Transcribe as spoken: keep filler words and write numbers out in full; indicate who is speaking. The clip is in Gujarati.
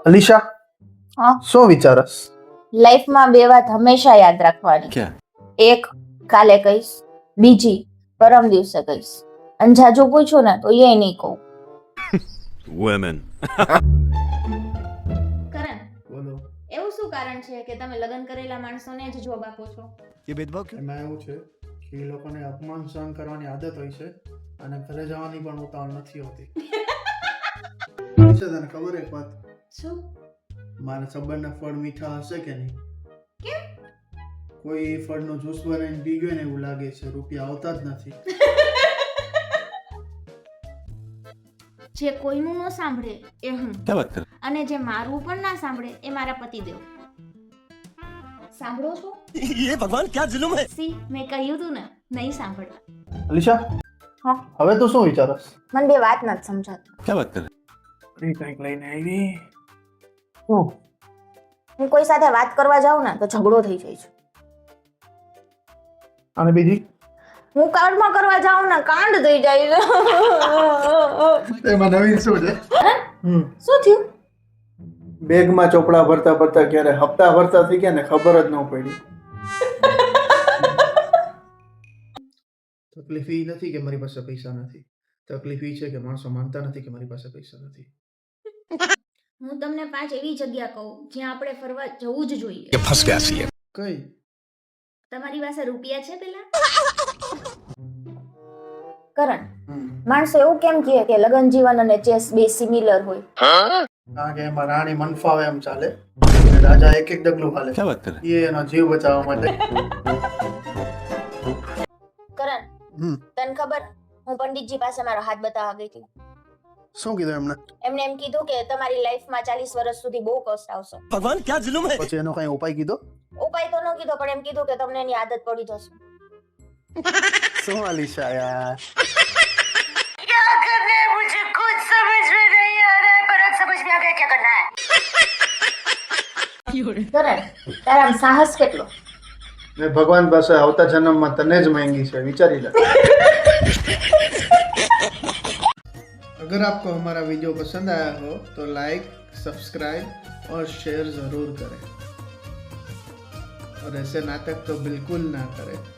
Speaker 1: અલીશા,
Speaker 2: હા
Speaker 1: શું વિચારસ?
Speaker 2: લાઈફમાં બે વાત હંમેશા યાદ રાખવાની.
Speaker 3: क्या?
Speaker 2: એક કાલે કહીશ, બીજી પરમ દિવસે કહીશ. અને જાજુ પૂછું ને તો એ નહીં કહું.
Speaker 3: Women.
Speaker 2: કરણ,
Speaker 1: બોલો.
Speaker 2: એવું શું કારણ છે કે તમે લગ્ન કરેલા માણસોને જ જોબ આપો છો?
Speaker 3: ये भेदभाव क्यों?
Speaker 1: એમાં એવું છે કે એ લોકોને અપમાન સહન કરવાની આદત હોય છે અને ઘરે જવાની પણ ઉતાવળ નથી હોતી. છે તને ખબર એક વાત?
Speaker 2: શું?
Speaker 1: મારા સંબંધના ફળ મીઠા હશે કે નહીં?
Speaker 2: કેમ?
Speaker 1: કોઈ એ ફળનો જ્યુસ બનાવીને પી ગયો ને એવું લાગે છે, રૂપિયા આવતા જ નથી.
Speaker 2: જે કોઈનું ન સાંભળે એ હું,
Speaker 3: क्या बात कर?
Speaker 2: અને જે મારું પણ ના સાંભળે એ મારા પતિદેવ. સાંભળો છો?
Speaker 3: ये भगवान क्या जुलुम है?
Speaker 2: સી મેં કહ્યું તું ને, નહીં સાંભળતા.
Speaker 1: અલીશા,
Speaker 2: હા
Speaker 1: હવે તું શું વિચારસ?
Speaker 2: મને બે વાત નથી સમજાતી.
Speaker 3: क्या बात कर?
Speaker 1: ફરી કંઈક લઈને આવી. શું?
Speaker 2: હું કોઈ સાથે વાત કરવા જાઉં ને તો ઝઘડો થઈ જાય છે.
Speaker 1: અને બીજી?
Speaker 2: હું કાંડમાં કરવા જાઉં ને કાંડ થઈ જાય છે.
Speaker 1: એમાં નવીન શું છે? હમ
Speaker 2: શું થયું?
Speaker 1: બેગમાં ચોપડા ભરતા ભરતા ક્યારે હપ્તા ભરતા થઈ ગયા ને ખબર જ ન પડી. તકલીફ એ નથી કે મારી પાસે પૈસા નથી, તકલીફ એ છે કે માણસો માનતા નથી કે મારી પાસે પૈસા નથી.
Speaker 2: હું તમને પાંચ એવી જગ્યા કહું જ્યાં આપણે ફરવા જવું જ જોઈએ.
Speaker 3: ये फंस गया सी है.
Speaker 1: કઈ?
Speaker 2: તમારી પાસે રૂપિયા છે પેલા? કરણ,
Speaker 1: હમ.
Speaker 2: માણસો એવું કેમ કહે કે લગ્ન જીવન અને ચેસ બે સિમિલર હોય?
Speaker 1: કારણ કે એમાં રાણી મન ફાવે એમ ચાલે અને રાજા એક એક ડગલું હાલે.
Speaker 3: क्या बात कर?
Speaker 1: એ એનો જીવ બચાવવા માટે.
Speaker 2: કરણ,
Speaker 1: હમ.
Speaker 2: તને ખબર હું પંડિતજી પાસે મારો હાથ બતાવવા ગઈ હતી.
Speaker 1: શું કીધું એમને?
Speaker 2: એમને એમ કીધું કે તમારી લાઈફમાં ચાલીસ વર્ષ સુધી બહુ કષ્ટ આવશે.
Speaker 3: भगवान क्या जुलुम है?
Speaker 1: પછી એનો કઈ ઉપાય કીધો?
Speaker 2: ઉપાય તો ન કીધો પણ એમ કીધું કે તમને એની આદત પડી જશે.
Speaker 1: શું અલીશા યાર?
Speaker 2: क्या करना है मुझे कुछ समझ में नहीं आ रहा है पर अब समझ में आ गया क्या करना है. કરણ, તારામાં સાહસ કેટલો?
Speaker 1: મેં ભગવાન પાસે આવતા જન્મમાં તને જ માંગી છે, વિચારી લે. अगर आपको हमारा वीडियो पसंद आया हो तो लाइक, सब्सक्राइब और शेयर ज़रूर करें और ऐसे नाटक तो बिल्कुल ना करें.